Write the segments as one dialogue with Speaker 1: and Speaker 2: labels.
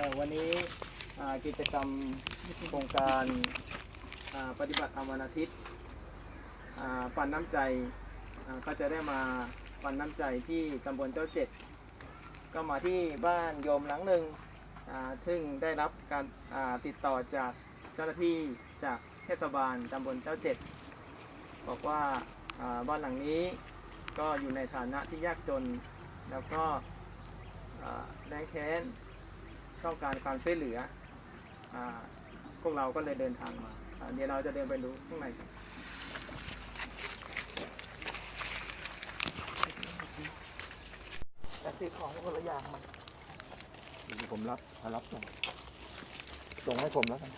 Speaker 1: วันนี้กิจกรรมโครงการปฏิบัติธรรมวันอาทิตย์ปันน้ำใจก็จะได้มาปันน้ำใจที่ตำบลเจ้าเจ็ดก็มาที่บ้านโยมหลังหนึ่งซึ่งได้รับการติดต่อจากเจ้าหน้าที่จากเทศบาลตำบลเจ้าเจ็ดบอกว่าบ้านหลังนี้ก็อยู่ในฐานะที่ยากจนแล้วก็แรงแค้นต้องการความช่วยเหลือพวกเราก็เลยเดินทางมาเดี๋ยวเราจะเดินไปดูข้างในกันแต่ซื้อของคนละอย่างมันผมรับส่งให้ผมแล้วกัน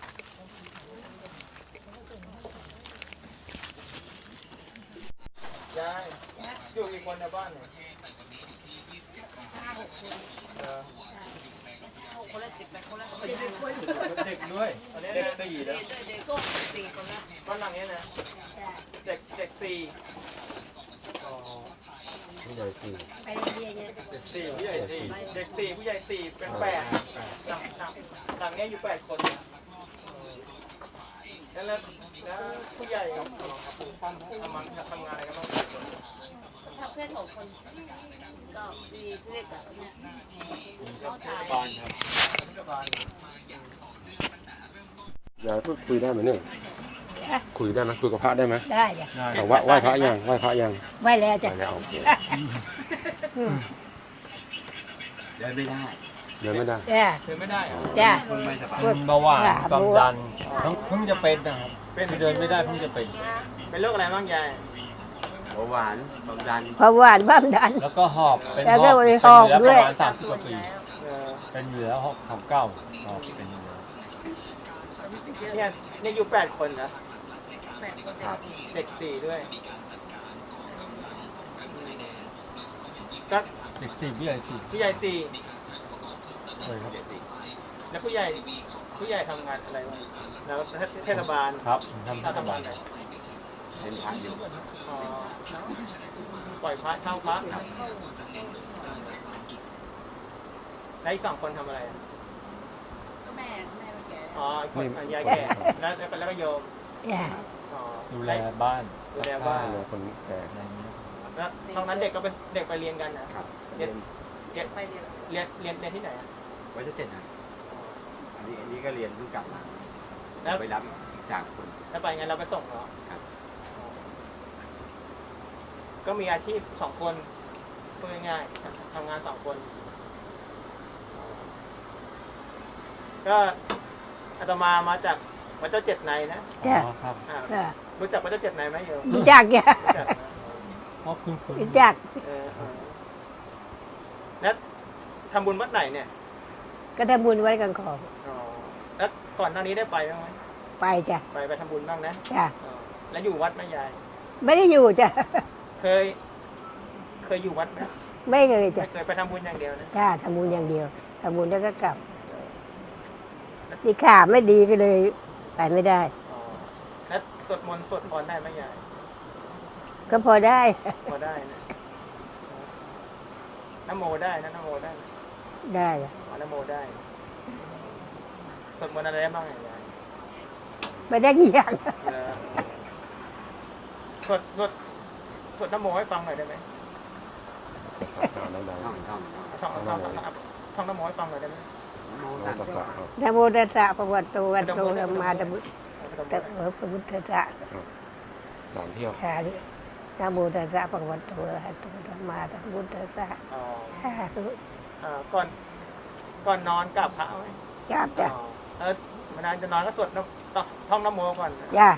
Speaker 1: ยายอยู่กี่คนในบ้านเนี่ย
Speaker 2: คนละ10 คนละ
Speaker 1: เด็กด้วยเด็ก4แล้ว
Speaker 2: เด็กก็4 คนละ
Speaker 1: บ้านหลังนี้นะเด็ก4
Speaker 3: ผู้ใหญ่4
Speaker 2: ไปเรียนเนี่ย
Speaker 1: เด็ก4ผู้ใหญ่4เด็ก4ผู้ใหญ่4เป็น8หลังนี้อยู่8คนแล้วผู้ใหญ่ทำงานอะไรกันบ้าง
Speaker 2: ถ้าเพื่อน6 คนก็มีเพื่อนกับเนี่ยเขาถ่าย
Speaker 3: บ้านครับยายพูดคุยได้ไหมเนี่ยคุยได้ไหมคุยกับพระได้ไหม
Speaker 2: ได้จ้ะ
Speaker 3: แต่ว่าไหว้พระยังไหว้
Speaker 2: แล้วจ้ะ
Speaker 3: โอเค
Speaker 4: เดินไม่ได้
Speaker 3: เดินไม่ได้
Speaker 1: เดินไม่ได้
Speaker 2: จ้ะ
Speaker 4: เบาหวานความดันเพิ่งจะเป็นนะครับเดินไม่ได้เพิ่งจะ
Speaker 1: เป็นโรคอะไรบ้างยาย
Speaker 4: เบาหวานความดัน
Speaker 2: แล้วก็
Speaker 4: หอบเป็นหอบประมาณ30 กว่าปีเป็นเหลือ69หอบเป็นเหลือ
Speaker 1: เนี่ยอยู่8 คนนะเด็ก4ด้วยก็
Speaker 4: เด็ก4ผู้ใหญ่4
Speaker 1: ผู้ใหญ่4
Speaker 4: เลยครับ
Speaker 1: แล้วผู้ใหญ่ทำงานอะไรบ้างแล้วเทศบาล
Speaker 4: ครับทำเทศบาล
Speaker 1: เป็นพระอยู่ปล่อยพระเช่าพระแล้วอีก2 คนทำอะไร
Speaker 2: ก็แม่แก่
Speaker 1: คนยายแก่แล้วก็โยม
Speaker 4: ดูแลบ้าน
Speaker 3: คนแก่
Speaker 1: แล้วตอนนั้นเด็กไปเรียนกันนะครับเรียนที่ไหน
Speaker 4: ไว้จะ7นะอันนี้ก็เรียนเพิ่งกลับมาแล้วไปรับอีก3 คน
Speaker 1: แล้วไปไงเราไปส่งเหรอก็มีอาชีพ2 คนพูดง่ายๆทำงาน2 คนก็อาตมาจากวัดเจ้าเจ็ดในนะ
Speaker 4: ครับ
Speaker 1: รู้จักวัดเจ้าเจ็ดในไหมโยม
Speaker 2: รู้จักจ้ะรู้จัก
Speaker 1: แล้วทำบุญวัดไหนเนี่ย
Speaker 2: ก็ทำบุญไว้กันของ
Speaker 1: แล้วก่อนหน้านี้ได้ไปบ้างไหม
Speaker 2: ไปจ้ะ
Speaker 1: ไปทำบุญบ้างนะ
Speaker 2: จ้ะ
Speaker 1: แล้วอยู่วัดไหมยาย
Speaker 2: ไม่ได้อยู่จ้ะ
Speaker 1: เคยอยู่วัดไหม
Speaker 2: ไม่เคยจ้ะ
Speaker 1: เคยไปทำบุญอย่างเดียวนะ
Speaker 2: จ้ะทำบุญอย่างเดียวทำบุญแล้วก็กลับที่ขาไม่ดีก็เลยไปไม่ได้
Speaker 1: แล้วสวดมนต์สวดพรได้ไหมยาย
Speaker 2: ก็พอได้
Speaker 1: นะนะโมได้นะนะโมได้
Speaker 2: ได้
Speaker 1: นะโมได้สวดมนต์อะไรได้บ้างยาย
Speaker 2: ไม่ได้กี่อย่าง
Speaker 1: สวดนะโมให้ฟังหน่อยได้ไหมท่องนะโมให้ฟังหน่อยได้ไหม
Speaker 2: นะโมตัสสะภะคะวะโตอะระหะโตสัมมาสัมพุทธัสสะ
Speaker 3: 3 เที่ยว
Speaker 2: นะโมตัสสะภะคะวะโตอะระหะโตสัมมาสัมพุทธัสสะ
Speaker 1: ก่อนนอนกราบพระไหม
Speaker 2: กราบจ้ะ
Speaker 1: เวลาจะนอนก็สวดท่องนะโมก่อน
Speaker 2: จ้ะ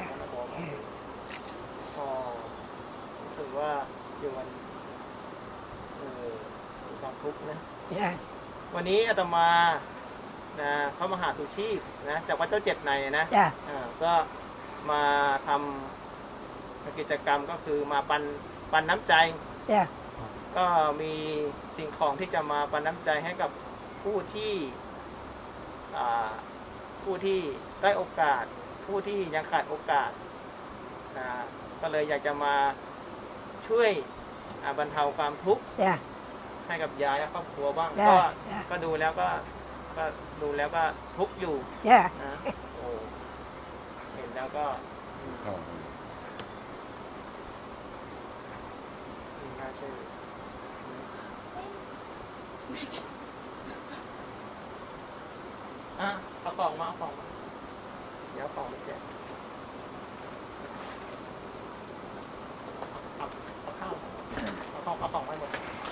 Speaker 1: ถือว่าอยู่วันความทุกข์นะวันนี้อาตมาพระมหาสุชีพนะจากวัดเจ้าเจ็ดในนะก็มาทำกิจกรรมก็คือมาปันน้ำใจก็มีสิ่งของที่จะมาปันน้ำใจให้กับผู้ที่ได้โอกาสผู้ที่ยังขาดโอกาสก็เลยอยากจะมาช่วยบรรเทาความทุกข์ให้กับยายและครอบครัวบ้างก็ดูแล้วก็ก็ดูแล้วก็ทุกข์อยู่
Speaker 2: จ้ะ
Speaker 1: นะโอ้เห็นแล้วก็น่าเชื่อเอากล่องมาเดี๋ยวเอากล่องไปแจกเอาข้าวเอากล่องไปหมด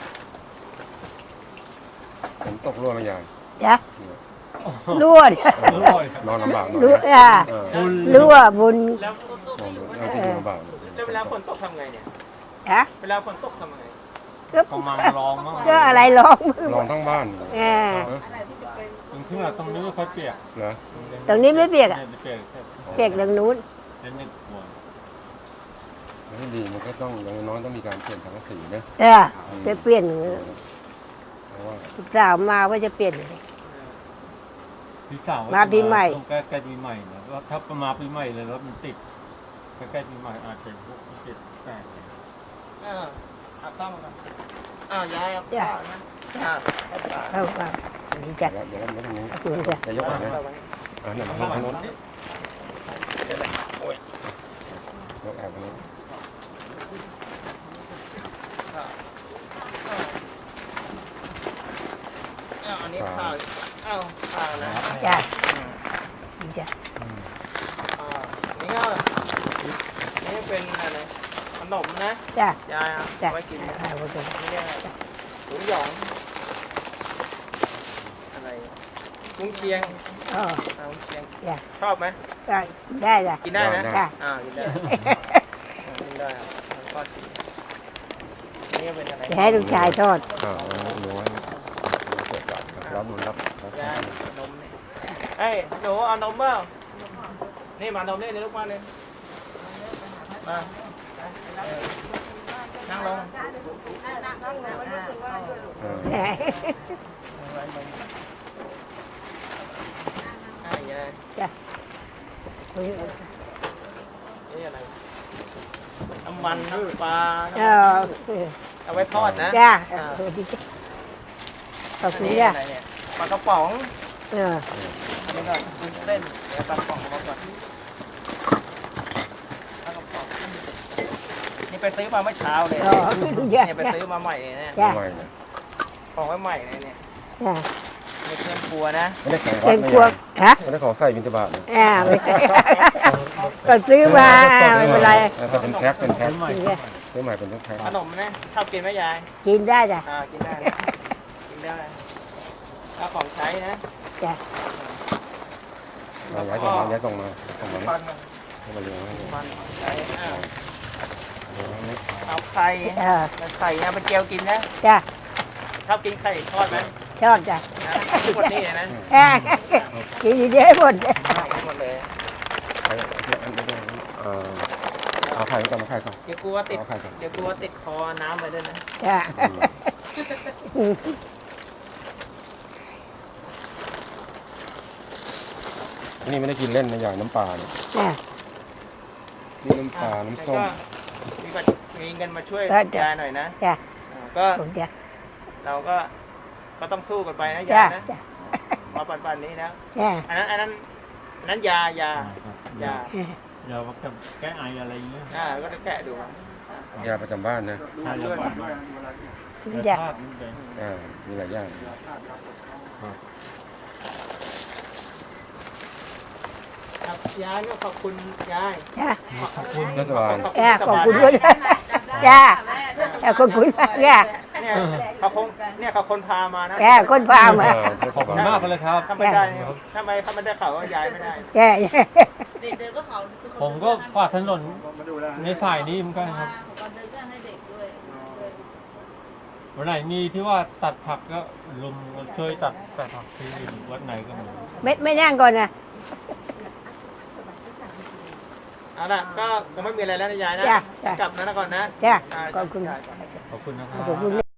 Speaker 3: ผมตกรั่วไหมยาย
Speaker 2: จ้ะรั่วเนี่ย
Speaker 3: นอนลำบากหน่อย
Speaker 2: รั่ว
Speaker 3: นะเออ
Speaker 2: รั่วบุญ
Speaker 1: แล้ว
Speaker 3: นอนที่ลำบาก
Speaker 1: แล้วเวลาฝนตกทำไงเนี่ย
Speaker 2: จ้ะ
Speaker 1: เวลาฝนตกทำไง
Speaker 4: กำลังร้องมั้ง
Speaker 2: ก็อะไรร้อง
Speaker 3: ลองทั้งบ้าน
Speaker 2: เออ
Speaker 4: ตรงที่ว่าตรงนี้ไม่ค่อยเปียก
Speaker 3: เหรอ
Speaker 2: ตรงนี้ไม่เปียกอ่ะ
Speaker 4: ไม่เปียกแค่
Speaker 2: เปียกตรงนู้น
Speaker 4: เล่นในครัว
Speaker 3: ให้ดีมันก็ต้องอย่างน้อยต้องมีการเปลี่ยนสังกะสีนะ
Speaker 2: จะเปลี่ยน
Speaker 3: เพราะว่า
Speaker 2: สาวมาว่าจะเปลี่ยน
Speaker 4: พี่สาว
Speaker 2: มาปีใหม่
Speaker 4: ตรงใกล้ๆปีใหม่นะว่าถ้ามาปีใหม่เลยรถมันติดใกล้ๆปีใหม่อาจจะพวกติดแปลก
Speaker 1: เอาข้าวมาก่อนยายเอาข้าวนะเอา
Speaker 2: เข้าดีจัด
Speaker 3: เดี๋ยวไม่ตรงนี้
Speaker 2: ขอบคุณจ้ะ
Speaker 3: จะยกไหนนะเนี่ยมาทางโน้นยกแอบไปนี้
Speaker 1: อันนี้ข้าวข้าวนะ
Speaker 2: จ้ะดีจ้ะ
Speaker 1: นี่ก็นี่เป็นอะไรขนมนะ
Speaker 2: จ้ะ
Speaker 1: ยาย
Speaker 2: จ้ะ
Speaker 1: ไว้กิน
Speaker 2: โอเค
Speaker 1: นี่เรียกอะไรหมูหยองอะไรกุ้งเชียง
Speaker 2: อ๋อ
Speaker 1: กุ้งเชียง
Speaker 2: จ้ะ
Speaker 1: ชอบไหม
Speaker 2: ได้จ้ะ
Speaker 1: กินได้นะ
Speaker 2: จ้ะ
Speaker 1: กินได้กินได้ครับแล้วก็นี่เป็นอะไร
Speaker 2: จะให้ลูกชายทอด
Speaker 3: หนูไว้เกิดจากรับนรับ
Speaker 1: ยายนมนี่เอ้ยหนูเอานมเปล่านี่มานมนี่ในลูกมาเลยมานั่งลง ยาย
Speaker 2: จ้ะ
Speaker 1: นี่อะไรน้ำมันน้ำปลา เอาไว้ทอดนะ
Speaker 2: จ้ะดีจ้ะขอบคุณ
Speaker 1: นี่
Speaker 2: จ้ะ
Speaker 1: อะไรเนี่ยปลากระป๋อง
Speaker 2: เออ
Speaker 1: อันนี้ก็วุ้นเส้นเดี๋ยวปลากระป๋องมาก่อนปลากระป๋องนี่ไปซื้อมาเมื่อเช้าเลย
Speaker 2: อ๋อจ้ะ
Speaker 1: เนี่ยไปซื้อมาใหม่เลยเนี่ย
Speaker 2: จ้ะ
Speaker 3: ไม่นะ
Speaker 1: ของไว้ใหม่เลยเนี่ย
Speaker 2: จ้ะ
Speaker 1: ไม่เครื่องครัวนะ
Speaker 3: ไม่ได้ของวั
Speaker 2: เป็
Speaker 3: ด
Speaker 2: น
Speaker 3: ไม่
Speaker 2: ครัวฮะ
Speaker 3: ได้ของใส่บิณฑบาตนะ
Speaker 2: ไม่ก็ซื้อมาไม่เป็นไร
Speaker 3: แต่เป็นแพ็คเป็นแพ็ค
Speaker 2: กินได้
Speaker 3: ซื้อใหม่เป็นแพ็ค
Speaker 1: ขนมนะชอบกินไหมยาย
Speaker 2: กินได้จ้ะ
Speaker 1: กินได้นะกินได้แล้วของใช้นะ
Speaker 2: จ้ะ
Speaker 3: ย้ายส่งมา
Speaker 1: ฟัน
Speaker 3: ให้มาเลี้ยงให้
Speaker 1: ฟันของใช้เอาไข่ไข่นะเป็นเจียวกินนะ
Speaker 2: จ้ะ
Speaker 1: ชอบกินไข่ทอดไหม
Speaker 2: ชอบจ้ะ
Speaker 1: ทุกวันนี้เลยนะ
Speaker 2: กินดีๆหมด
Speaker 1: หมดเลย
Speaker 3: เอาไข่ก่อนมาไข่ก่อน
Speaker 1: เดี๋ยวกลัวติดเดี๋ยวกลัวติดคอน้ำไปด้วยนะ
Speaker 2: จ้ะ
Speaker 3: อันนี้ไม่ได้กินเล่นนะอย่างน้ำปลาเนี่ย
Speaker 2: จ้ะ
Speaker 3: นี่น้ำปลาน้ำส้ม
Speaker 1: มีเงินมาช่วยยายหน่อยนะ
Speaker 2: จ้ะ
Speaker 1: ก็
Speaker 2: ผมจ้ะ
Speaker 1: เราก็ต้องสู้กันไปนะ
Speaker 2: จ้ะ
Speaker 1: ยายนะ
Speaker 2: จ้ะ
Speaker 1: มาปันนี้นะ
Speaker 2: จ้ะ
Speaker 1: อันนั้นยา
Speaker 4: ยาว่าแก้ไออะไรอย่างเงี้ย
Speaker 1: ก็จะแกะดู
Speaker 3: ยาประจำบ้านนะ
Speaker 4: ถ้ายาบ้านบ้าน
Speaker 2: จ้ะ
Speaker 4: ภาพมันเป็น
Speaker 3: มีหลายอย่าง
Speaker 1: ครับยายก็ขอบคุณยาย
Speaker 2: จ้ะ
Speaker 4: ขอบคุณ
Speaker 3: รัฐบาล
Speaker 2: ขอบคุณด้วยจ้ะขอบคุณจ้ะ
Speaker 1: เนี่ยเขาคนพามานะ
Speaker 2: คนพามา
Speaker 4: ขอบคุณมากเลยครับ
Speaker 1: ถ้าไม่ได้ถ้าไม่ได้เขาก็ย้ายไม่ได้
Speaker 2: แก่
Speaker 5: เด็กเดินก็เขา
Speaker 4: ผมก็ฝากถนนในฝ่ายนี้เหมือนกันครับ
Speaker 5: ตอนเดินก็ให้เด็กด้วย
Speaker 4: วันไหนมีที่ว่าตัดผักก็ลุมช่วยตัดผักที่วัดไหนก็มี
Speaker 2: ไม่นั่งก่อนนะ
Speaker 1: เอาล่ะก็คงไม่มีอะไรแล้วนะยายนะ
Speaker 2: จ้ะ
Speaker 1: กลับนะก่อนนะ
Speaker 2: จ้ะขอบคุณ
Speaker 4: ขอบคุณนะครับ
Speaker 2: ขอบคุณ